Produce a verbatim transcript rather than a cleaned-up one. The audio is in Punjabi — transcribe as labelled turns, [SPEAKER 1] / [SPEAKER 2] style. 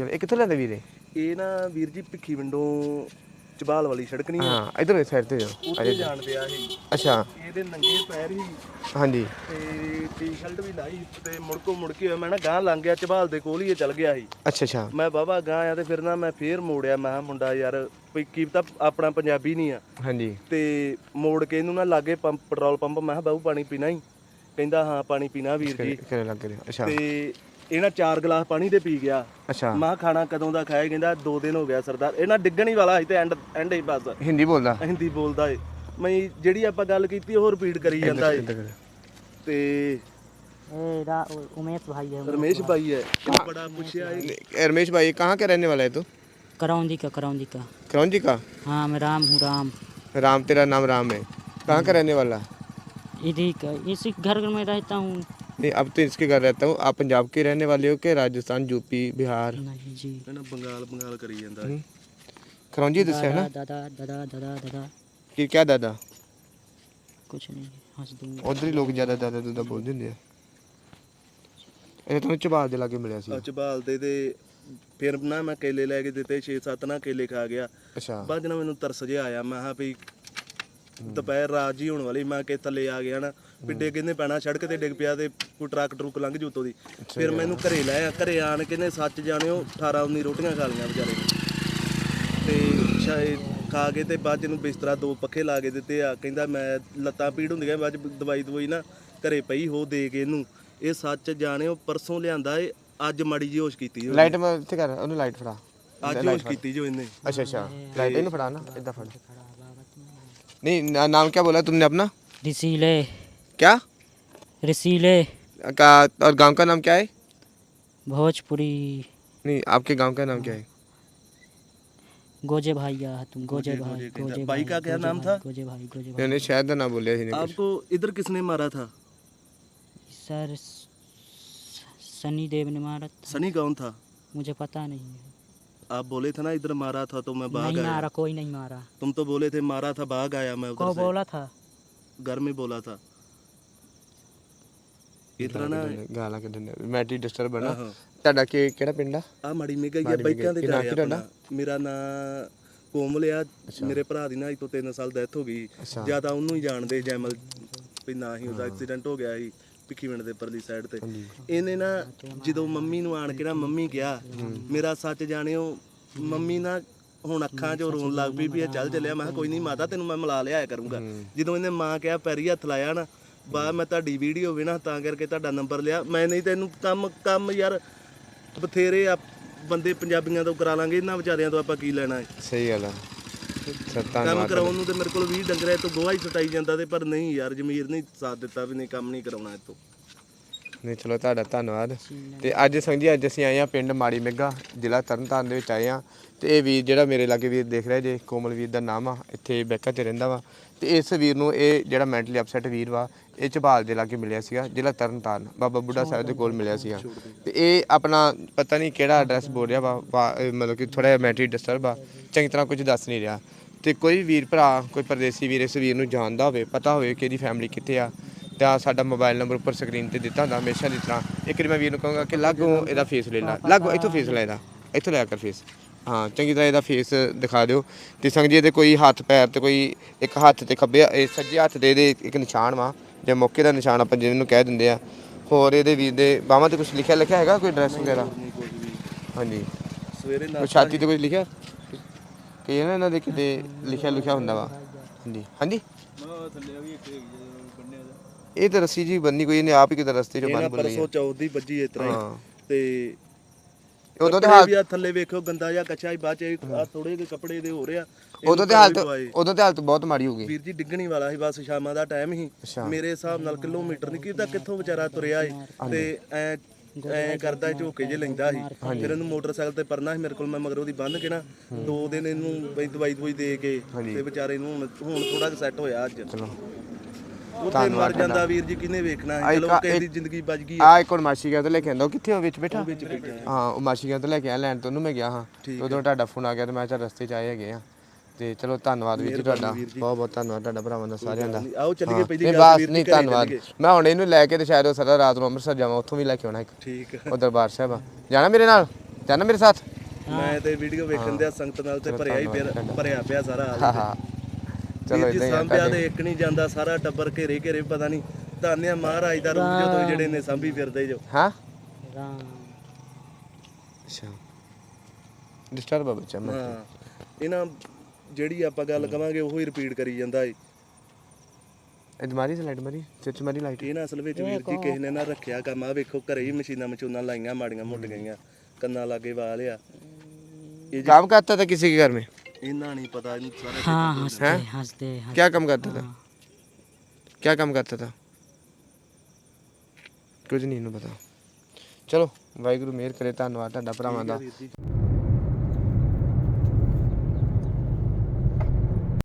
[SPEAKER 1] ਇਹ ਕਿੱਥੋਂ ਲੈਂਦੇ ਵੀਰੇ?
[SPEAKER 2] ਇਹ ਨਾ ਵੀਰ ਜੀ ਭਿੱਖੀ ਵਿੰਡੋਂ ਚਬਾਲ ਵਾਲੀ ਸੜਕ ਨਹੀਂ ਆ,
[SPEAKER 1] ਹਾਂ ਇਧਰ ਇਸ ਸਾਈਡ ਤੇ ਜਾਓ।
[SPEAKER 2] ਉੱਥੇ ਜਾਣਦੇ ਆ ਇਹ।
[SPEAKER 1] ਅੱਛਾ
[SPEAKER 2] ਇਹਦੇ ਨੰਗੇ ਪੈਰ ਹੀ
[SPEAKER 1] ਹਾਂਜੀ
[SPEAKER 2] ਤੇ ਟੀ-ਸ਼ਰਟ ਵੀ ਲਾਈ ਤੇ ਮੁੜਕੋ ਮੁੜਕੀ ਹੋਇਆ। ਮੈਂ ਨਾ ਗਾਂ ਲੰਘ ਗਿਆ ਚਬਾਲ ਦੇ ਕੋਲ ਹੀ ਇਹ ਚੱਲ ਗਿਆ ਸੀ।
[SPEAKER 1] ਅੱਛਾ ਅੱਛਾ
[SPEAKER 2] ਮੈਂ ਬਾਬਾ ਗਾਂ ਆ ਤੇ ਫਿਰ ਨਾ ਮੈਂ ਫੇਰ ਮੋੜਿਆ। ਮੈਂ ਕਿਹਾ ਮੁੰਡਾ ਯਾਰ ਕੋਈ ਕੀ ਤਾਂ ਆਪਣਾ ਪੰਜਾਬੀ ਨਹੀਂ ਆ।
[SPEAKER 1] ਹਾਂਜੀ
[SPEAKER 2] ਤੇ ਮੋੜ ਕੇ ਇਹਨੂੰ ਨਾ ਲਾਗੇ ਪੰਪ ਪੈਟਰੋਲ ਪੰਪ ਮੈਂ ਕਿਹਾ ਬਾਬੂ ਪਾਣੀ ਪੀਣਾ ਹੀ? ਕਹਿੰਦਾ ਹਾਂ ਪਾਣੀ ਪੀਣਾ ਵੀਰ ਜੀ।
[SPEAKER 1] ਕਿਹੜੇ ਲੱਗ ਰਿਹਾ? ਅੱਛਾ
[SPEAKER 2] ਤੇ ਇਹਨਾਂ ਚਾਰ ਗਲਾਸ ਪਾਣੀ ਦੇ ਪੀ ਗਿਆ।
[SPEAKER 1] ਅੱਛਾ
[SPEAKER 2] ਮੈਂ ਖਾਣਾ ਕਦੋਂ ਦਾ ਖਾਇਆ? ਕਹਿੰਦਾ ਦੋ ਦਿਨ ਹੋ ਗਿਆ ਸਰਦਾਰ। ਇਹਨਾਂ ਡਿੱਗਣ ਹੀ ਵਾਲਾ ਸੀ ਤੇ ਐਂਡ ਐਂਡ ਹੀ ਬਸ
[SPEAKER 1] ਹਿੰਦੀ ਬੋਲਦਾ
[SPEAKER 2] ਹਿੰਦੀ ਬੋਲਦਾ ਏ। ਮੈਂ ਜਿਹੜੀ ਆਪਾਂ ਗੱਲ ਕੀਤੀ ਉਹ ਰਿਪੀਟ ਕਰੀ ਜਾਂਦਾ ਏ। ਤੇ
[SPEAKER 3] उमेश भाई है,
[SPEAKER 2] रमेश भाई है, बड़ा पूछा है।
[SPEAKER 1] रमेश भाई कहाँ के रहने वाला है तू?
[SPEAKER 3] करौंदी का करौंदी का
[SPEAKER 1] करौंदी का?
[SPEAKER 3] हाँ मैं राम हूँ राम।
[SPEAKER 1] राम तेरा नाम राम है। कहाँ का रहने वाला?
[SPEAKER 3] इधर का इसी घर में रहता हूँ।
[SPEAKER 1] नहीं अब तो इसके घर रहता हूँ। आप पंजाब के रहने वाले हो कि राजस्थान यूपी बिहार?
[SPEAKER 3] नहीं जी
[SPEAKER 2] ना बंगाल बंगाल करी जाता है।
[SPEAKER 1] करौंदी दस्या ना?
[SPEAKER 3] दादा दादा दादा दादा
[SPEAKER 1] कि क्या दादा?
[SPEAKER 3] कुछ नहीं हंस दूंगा।
[SPEAKER 1] उधर ही लोग ज़्यादा दादा दादा बोल देंगे। ਇਹ ਤੁਹਾਨੂੰ ਚਬਾਲ ਦੇ ਲਾਗੇ ਮਿਲਿਆ ਸੀ?
[SPEAKER 2] ਚਬਾਲ ਦੇ ਤੇ ਫਿਰ ਨਾ ਮੈਂ ਕੇਲੇ ਲੈ ਕੇ ਦਿੱਤੇ ਛੇ ਸੱਤ ਨਾ ਕੇਲੇ ਖਾ ਗਿਆ।
[SPEAKER 1] ਅੱਛਾ
[SPEAKER 2] ਬਾਅਦ ਨਾ ਮੈਨੂੰ ਤਰਸ ਜਿਹਾ ਆਇਆ। ਮੈਂ ਕਿਹਾ ਵੀ ਦੁਪਹਿਰ ਰਾਤ ਜੀ ਹੋਣ ਵਾਲੀ, ਮੈਂ ਕਿ ਥੱਲੇ ਆ ਗਿਆ ਨਾ ਪਿੱਡੇ ਕਹਿੰਦੇ ਪੈਣਾ ਸੜਕ ਤੇ ਡਿੱਗ ਪਿਆ ਤੇ ਕੋਈ ਟਰੱਕ ਟਰੁੱਕ ਲੰਘ ਜੂ ਉੱਤੋਂ ਦੀ। ਫਿਰ ਮੈਨੂੰ ਘਰੇ ਲੈ ਆ। ਘਰੇ ਆਣ ਕੇ ਨੇ ਸੱਚ ਜਾਣਿਓ ਅਠਾਰਾਂ ਉੱਨੀ ਰੋਟੀਆਂ ਖਾ ਲਈਆਂ ਵਿਚਾਰੇ ਨੇ ਤੇ ਸ਼ਾਇਦ ਖਾ ਕੇ ਤੇ ਬਾਅਦ ਨੂੰ ਬਿਸਤਰਾ ਦੋ ਪੱਖੇ ਲਾ ਕੇ ਦਿੱਤੇ ਆ। ਕਹਿੰਦਾ ਮੈਂ ਲੱਤਾਂ ਪੀੜ ਹੁੰਦੀਆਂ ਬਾਅਦ ਦਵਾਈ ਦਵਾਈ ਨਾ ਘਰੇ ਪਈ ਹੋ ਦੇ ਕੇ ਇਹਨੂੰ। ਇਹ ਸੱਚ ਜਾਣਿਓ ਪਰਸੋਂ ਲਿਆਂਦਾ ਏ, ਅੱਜ ਮਾੜੀ ਜੀ ਹੋਸ਼ ਕੀਤੀ ਜੋ।
[SPEAKER 1] ਲਾਈਟ ਮੈਂ ਇੱਥੇ ਕਰ ਉਹਨੂੰ ਲਾਈਟ ਫੜਾ।
[SPEAKER 2] ਅੱਜ ਹੋਸ਼ ਕੀਤੀ ਜੋ ਇਹਨੇ।
[SPEAKER 1] अच्छा अच्छा लाइट इन फड़ा ना इधर फड़। नहीं ना, नाम क्या बोला तुमने अपना?
[SPEAKER 3] रसीले
[SPEAKER 1] क्या
[SPEAKER 3] रसीले
[SPEAKER 1] का? और गांव का नाम क्या है?
[SPEAKER 3] भोजपुरी
[SPEAKER 1] नहीं आपके गांव का नाम क्या है?
[SPEAKER 3] गोजे भाई या तुम गोजे भाई गोजे
[SPEAKER 2] भाई का क्या नाम था?
[SPEAKER 3] गोजे भाई गोजे भाई।
[SPEAKER 1] मैंने शायद ना बोले ही नहीं।
[SPEAKER 2] आपको इधर किसने मारा था?
[SPEAKER 3] सर सनी देव ने मारा था।
[SPEAKER 2] सनी कौन था?
[SPEAKER 3] मुझे पता नहीं है।
[SPEAKER 2] आप बोले थे ना इधर मारा था तो मैं भाग
[SPEAKER 3] नहीं
[SPEAKER 2] आया।
[SPEAKER 3] मारा कोई नहीं मारा।
[SPEAKER 2] तुम तो बोले थे मारा था भाग आया मैं
[SPEAKER 3] को
[SPEAKER 2] उधर से।
[SPEAKER 3] बोला था?
[SPEAKER 2] घर में बोला था। इतना ना
[SPEAKER 1] ਗਾਲਾਂ ਕੱਢਣ ਮੈਟੀ ਡਿਸਟਰਬ ਬਣਾ।
[SPEAKER 2] ਆਹੋ।
[SPEAKER 1] ਤੁਹਾਡਾ ਕੀ ਕਿਹੜਾ ਪਿੰਡ ਆ?
[SPEAKER 2] ਆ ਮਾੜੀ ਮੇਗਾ ਹੀ ਬਾਈਕਾਂ ਦੇ ਜਾ ਰਿਹਾ। ਮੇਰਾ ਨਾਂ ਕੋਮਲ ਆ। ਮੇਰੇ ਭਰਾ ਦੀ ਨਾ ਅੱਜ ਤੋਂ ਤਿੰਨ ਸਾਲ ਡੈਥ ਹੋ ਗਈ। ਜਿਆਦਾ ਉਹਨੂੰ ਹੀ ਜਾਣਦੇ ਜੈਮਲ ਵੀ ਨਾ ਹੀ ਉਹਦਾ ਐਕਸੀਡੈਂਟ ਹੋ ਗਿਆ ਸੀ ਭਿੱਖੀ ਵਿੰਡ ਦੇ ਪਰਲੀ ਸਾਈਡ ਤੇ। ਇਹਨੇ ਨਾ ਜਦੋਂ ਮੰਮੀ ਨੂੰ ਆਣ ਕੇ ਨਾ ਮੰਮੀ ਕਿਹਾ ਮੇਰਾ ਸੱਚ ਜਾਣਿਓ ਮੰਮੀ ਨਾ ਹੁਣ ਅੱਖਾਂ 'ਚੋਂ ਰੋਣ ਲੱਗ ਪਈ ਵੀ ਇਹ ਚੱਲ ਚੱਲਿਆ। ਮੈਂ ਕਿਹਾ ਕੋਈ ਨਹੀਂ ਮਾਤਾ ਤੈਨੂੰ ਮੈਂ ਮਿਲਾ ਲਿਆਇਆ ਕਰੂੰਗਾ। ਜਦੋਂ ਇਹਨੇ ਮਾਂ ਕਿਹਾ ਪੈਰੀ ਹੱਥ ਲਾਇਆ ਨਾ ਬਾ ਮੈਂ ਤੁਹਾਡੀ ਵੀਡੀਓ ਵੇਣਾ ਤਾਂ ਕਰਕੇ ਤੁਹਾਡਾ ਨੰਬਰ ਲਿਆ ਮੈਂ। ਨਹੀਂ ਤੈਨੂੰ ਕੰਮ ਕੰਮ ਯਾਰ ਬਥੇਰੇ ਆ ਬੰਦੇ ਪੰਜਾਬੀਆਂ ਤੋਂ ਕਰਾ ਲਾਂਗੇ, ਇਹਨਾਂ ਵਿਚਾਰਿਆਂ ਤੋਂ ਆਪਾਂ ਕੀ ਲੈਣਾ ਹੈ।
[SPEAKER 1] ਸਹੀ ਗੱਲ ਆ।
[SPEAKER 2] ਕੰਮ ਕਰਾਉਣ ਨੂੰ ਤੇ ਮੇਰੇ ਕੋਲ ਵੀਹ ਡੰਗਰ ਤੋਂ ਗੋਹਾ ਹੀ ਸਟਾਈ ਜਾਂਦਾ ਤੇ ਪਰ ਨਹੀਂ ਯਾਰ ਜ਼ਮੀਰ ਨਹੀਂ ਸਾਥ ਦਿੱਤਾ ਵੀ ਨਹੀਂ ਕੰਮ ਨਹੀਂ ਕਰਾਉਣਾ ਇੱਥੋਂ।
[SPEAKER 1] ਨਹੀਂ ਚਲੋ ਤੁਹਾਡਾ ਧੰਨਵਾਦ। ਤੇ ਅੱਜ ਸੰਜੀ ਅੱਜ ਅਸੀਂ ਆਏ ਆ ਪਿੰਡ ਮਾੜੀ ਮੇਗਾ ਜ਼ਿਲ੍ਹਾ ਤਰਨਤਾਰਨ ਦੇ ਵਿੱਚ ਆਏ ਆ। ਤੇ ਇਹ ਵੀਰ ਜਿਹੜਾ ਮੇਰੇ ਲਾਗੇ ਵੀਰ ਦੇਖ ਰਿਹਾ ਜੇ ਕੋਮਲ ਵੀਰ ਦਾ ਨਾਮ ਆ, ਇੱਥੇ ਬੈਕਾ 'ਚ ਰਹਿੰਦਾ ਵਾ। ਤੇ ਇਸ ਵੀਰ ਨੂੰ ਇਹ ਜਿਹੜਾ ਮੈਂਟਲੀ ਅਪਸੈਟ ਵੀਰ ਵਾ ਇਹ ਝਬਾਲ ਦੇ ਲਾਗੇ ਮਿਲਿਆ ਸੀਗਾ ਜ਼ਿਲ੍ਹਾ ਤਰਨਤਾਰਨ ਬਾਬਾ ਬੁੱਢਾ ਸਾਹਿਬ ਦੇ ਕੋਲ ਮਿਲਿਆ ਸੀਗਾ। ਤੇ ਇਹ ਆਪਣਾ ਪਤਾ ਨਹੀਂ ਕਿਹੜਾ ਐਡਰੈਸ ਬੋਲ ਰਿਹਾ ਵਾ, ਮਤਲਬ ਕਿ ਥੋੜ੍ਹਾ ਜਿਹਾ ਮੈਂਟਲੀ ਡਿਸਟਰਬ ਆ, ਚੰਗੀ ਤਰ੍ਹਾਂ ਕੁਝ ਦੱਸ ਨਹੀਂ ਰਿਹਾ। ਤੇ ਕੋਈ ਵੀਰ ਭਰਾ ਕੋਈ ਪਰਦੇਸੀ ਵੀਰ ਇਸ ਵੀਰ ਨੂੰ ਜਾਣਦਾ ਹੋਵੇ, ਪਤਾ ਹੋਵੇ ਕਿ ਇਹਦੀ ਫੈਮਿਲੀ ਕਿੱਥੇ ਆ, ਤਾਂ ਸਾਡਾ ਮੋਬਾਈਲ ਨੰਬਰ ਉੱਪਰ ਸਕਰੀਨ ਤੇ ਦਿੱਤਾ ਹੁੰਦਾ ਹਮੇਸ਼ਾ ਦੀ ਤਰ੍ਹਾਂ। ਇੱਕ ਵਾਰੀ ਮੈਂ ਵੀਰ ਨੂੰ ਕਹਾਂਗਾ ਕਿ ਲਾਗੋਂ ਇਹਦਾ ਫੇਸ ਲੈ ਲਾ, ਲਾਗੋਂ ਇੱਥੋਂ ਫੇਸ ਲੈ ਇਹਦਾ, ਇੱਥੋਂ ਲਿਆ ਕਰ ਫੇਸ। ਹਾਂ ਚੰਗੀ ਤਰ੍ਹਾਂ ਇਹਦਾ ਫੇਸ ਦਿਖਾ ਦਿਓ। ਤੇ ਸੰਗ ਜੀ ਇਹਦੇ ਕੋਈ ਹੱਥ ਪੈਰ ਤੇ ਕੋਈ ਇੱਕ ਹੱਥ ਤੇ ਖੱਬੇ ਇਹ ਸੱਜੇ ਹੱਥ ਦੇ ਇਹਦੇ ਇੱਕ ਨਿਸ਼ਾਨ ਵਾ ਜਾਂ ਮੌਕੇ ਦਾ ਨਿਸ਼ਾਨ ਆਪਾਂ ਜਿਹਨੂੰ ਕਹਿ ਦਿੰਦੇ ਆ। ਹੋਰ ਇਹਦੇ ਵੀਰ ਦੇ ਬਾਹਾਂ ਤੇ ਕੁਝ ਲਿਖਿਆ ਲਿਖਿਆ ਹੈਗਾ ਕੋਈ ਐਡਰੈਸ ਵਗੈਰਾ? ਹਾਂਜੀ
[SPEAKER 2] ਸਵੇਰੇ
[SPEAKER 1] ਕੋਈ ਛਾਤੀ ਤੇ ਕੁਝ ਲਿਖਿਆ ਕਈ ਨਾ ਇਹਨਾਂ ਦੇ ਕਿਤੇ ਲਿਖਿਆ ਲਿਖਿਆ ਹੁੰਦਾ ਵਾ। ਹਾਂਜੀ ਹਾਂਜੀ ਇਹ ਤਾਂ ਰੱਸੀ ਜੀ ਬੰਨੀ ਕੋਈ ਇਹਨੇ ਆਪ ਹੀ ਕਿਤੇ ਰਸਤੇ 'ਚ ਬੰਨ ਬੁੱਲੀ
[SPEAKER 2] ਪਰਸੋਂ ਚੌਥ ਦੀ ਵੱਜੀ ਇਸ ਤਰ੍ਹਾਂ ਤੇ
[SPEAKER 1] ਉਦੋਂ ਤੇ ਹਾਲਤ
[SPEAKER 2] ਥੱਲੇ ਵੇਖੋ ਗੰਦਾ ਜਿਹਾ ਕੱਚਾ ਹੀ ਬਾਅਦ ਚ ਆ ਥੋੜੇ ਜਿਹੇ ਕੱਪੜੇ ਦੇ ਹੋ ਰਿਹਾ।
[SPEAKER 1] ਉਦੋਂ ਤੇ ਹਾਲਤ ਉਦੋਂ ਤੇ ਹਾਲਤ ਬਹੁਤ ਮਾੜੀ ਹੋ ਗਈ
[SPEAKER 2] ਵੀਰ ਜੀ। ਡਿੱਗਣੀ ਵਾਲਾ ਸੀ ਬਸ ਸ਼ਾਮਾਂ ਦਾ ਟਾਈਮ ਸੀ। ਮੇਰੇ ਹਿਸਾਬ ਨਾਲ ਕਿਲੋਮੀਟਰ ਨਹੀਂ ਕੀਤਾ ਕਿੱਥੋਂ ਵਿਚਾਰਾ ਤੁਰਿਆ ਏ ਤੇ ਐ ਐ ਕਰਦਾ ਝੋਕੇ ਜੇ ਲੈਂਦਾ ਸੀ। ਫਿਰ ਇਹਨੂੰ ਮੋਟਰਸਾਈਕਲ ਤੇ ਪਰਨਾ ਸੀ ਮੇਰੇ ਕੋਲ, ਮੈਂ ਮਗਰ ਉਹਦੀ ਬੰਨ ਕੇ ਨਾ ਦੋ ਦਿਨ ਇਹਨੂੰ ਬਈ ਦਵਾਈ ਦਵਾਈ ਦੇ ਕੇ ਤੇ ਵਿਚਾਰੇ ਨੂੰ ਹੁਣ ਥੋੜਾ ਜਿਹਾ ਸੈੱਟ ਹੋਇਆ ਅੱਜ। ਉੱਥੇ ਮਰ ਜਾਂਦਾ ਵੀਰ ਜੀ ਕਿਹਨੇ ਵੇਖਣਾ। ਚਲੋ ਕਿਸੇ ਦੀ ਜ਼ਿੰਦਗੀ ਬਚ ਗਈ
[SPEAKER 1] ਆ। ਇੱਕ ਹੁਣ ਮਾਸੀ ਗਿਆ ਤੋਂ ਲੈ ਕੇ ਆਂਦਾ ਕਿੱਥੇ ਹੋ ਵਿੱਚ ਬੈਠਾ ਹਾਂ ਉਹ ਮਾਸੀ ਗਿਆ ਤੋਂ ਲੈ ਕੇ ਆ ਲੈਣ ਤੋਂ ਉਹਨੂੰ ਮੈਂ ਗਿਆ ਹਾਂ। ਉਦੋਂ ਤੁਹਾਡਾ ਫੋਨ ਆ ਗਿਆ ਤੇ ਮੈਂ ਚੱਲ ਰਸਤੇ 'ਚ ਆਏ ਹੈਗੇ ਆ। ਤੇ ਚਲੋ ਧੰਨਵਾਦ ਵੀਰ ਜੀ ਤੁਹਾਡਾ, ਬਹੁਤ ਬਹੁਤ ਧੰਨਵਾਦ ਤੁਹਾਡਾ ਭਰਾਵਾਂ ਦਾ ਸਾਰਿਆਂ ਦਾ।
[SPEAKER 2] ਆਓ ਚੱਲੀਏ ਪਹਿਲੀ
[SPEAKER 1] ਗੱਲ ਬਸ ਨਹੀਂ ਧੰਨਵਾਦ। ਮੈਂ ਹੁਣ ਇਹਨੂੰ ਲੈ ਕੇ ਤੇ ਸ਼ਾਇਦ ਉਹ ਸਾਰਾ ਰਾਤ ਨੂੰ ਅੰਮ੍ਰਿਤਸਰ ਜਾਵਾਂ, ਉੱਥੋਂ ਵੀ ਲੈ ਕੇ ਆਉਣਾ ਇੱਕ।
[SPEAKER 2] ਠੀਕ
[SPEAKER 1] ਉਹ ਦਰਬਾਰ ਸਾਹਿਬ ਆ ਜਾਣਾ ਮੇਰੇ ਨਾਲ, ਜਾਣਾ ਮੇਰੇ ਸਾਥ।
[SPEAKER 2] ਮੈਂ ਤੇ ਵੀਡੀਓ ਵੇਖਣ ਦਿਆ ਸੰਗਤ ਨਾਲ ਤੇ ਭਰਿਆ ਹੀ ਫਿਰ ਭਰਿਆ ਪਿਆ ਸਾਰਾ ਹਾਲ
[SPEAKER 1] ਹਾਂ ਹਾਂ ਚਲੋ
[SPEAKER 2] ਵੀਰ ਜੀ
[SPEAKER 1] ਇਦਾਂ ਹੀ ਆ
[SPEAKER 2] ਸਾਂਭਿਆ
[SPEAKER 1] ਤੁਹਾਡੇ
[SPEAKER 2] ਤੇ ਇੱਕ ਨਹੀਂ ਜਾਂਦਾ ਸਾਰਾ ਟੱਬਰ ਘੇਰੇ ਘੇਰੇ ਪਤਾ ਨਹੀਂ ਧੰਨਿਆ ਮਹਾਰਾਜ ਦਾ ਰੂਪ ਜਦੋਂ ਜਿਹੜੇ ਨੇ ਸਾਂਭੀ ਫਿਰਦੇ ਜੋ
[SPEAKER 1] ਹਾਂ
[SPEAKER 3] ਰਾਮ
[SPEAKER 1] ਅੱਛਾ ਡਿਸਟਰਬ ਆ ਬੱਚਾ ਮੈਂ
[SPEAKER 2] ਹਾਂ ਇਹਨਾਂ ਜਿਹੜੀ ਆਪਾਂ ਗੱਲ ਕਵਾਂਗੇ ਉਹੀ ਰਿਪੀਟ ਕਰੀ ਜਾਂਦਾ ਏ
[SPEAKER 1] ਇਹ ਮਾਰੀ ਸਲਾਈਡ ਮਾਰੀ ਸਿੱਚ ਮਾਰੀ ਲਾਈਟ
[SPEAKER 2] ਇਹ ਨਾ ਅਸਲ ਵਿੱਚ ਵੀਰ ਜੀ ਕਿਸੇ ਨੇ ਨਾ ਰੱਖਿਆ ਕੰਮ ਆ ਵੇਖੋ ਘਰੇ ਹੀ ਮਸ਼ੀਨਾਂ ਮਚੂਨਾਂ ਲਾਈਆਂ ਮਾੜੀਆਂ ਮੁੱਟ ਗਈਆਂ ਕੰਨਾਂ ਲਾਗੇ ਵਾਲ ਆ ਇਹ
[SPEAKER 1] काम करता था किसी के घर में
[SPEAKER 2] ਇਹਨਾਂ ਨਹੀਂ ਪਤਾ ਇਹਨੂੰ ਸਾਰੇ
[SPEAKER 3] हाँ हंसते हंसते हंसते
[SPEAKER 1] क्या काम करता था क्या काम करता था कुछ नहीं इन्हों पता चलो वाहिगुरू मेहर करे धन्नवाद ਤੁਹਾਡਾ ਭਰਾਵਾਂ ਦਾ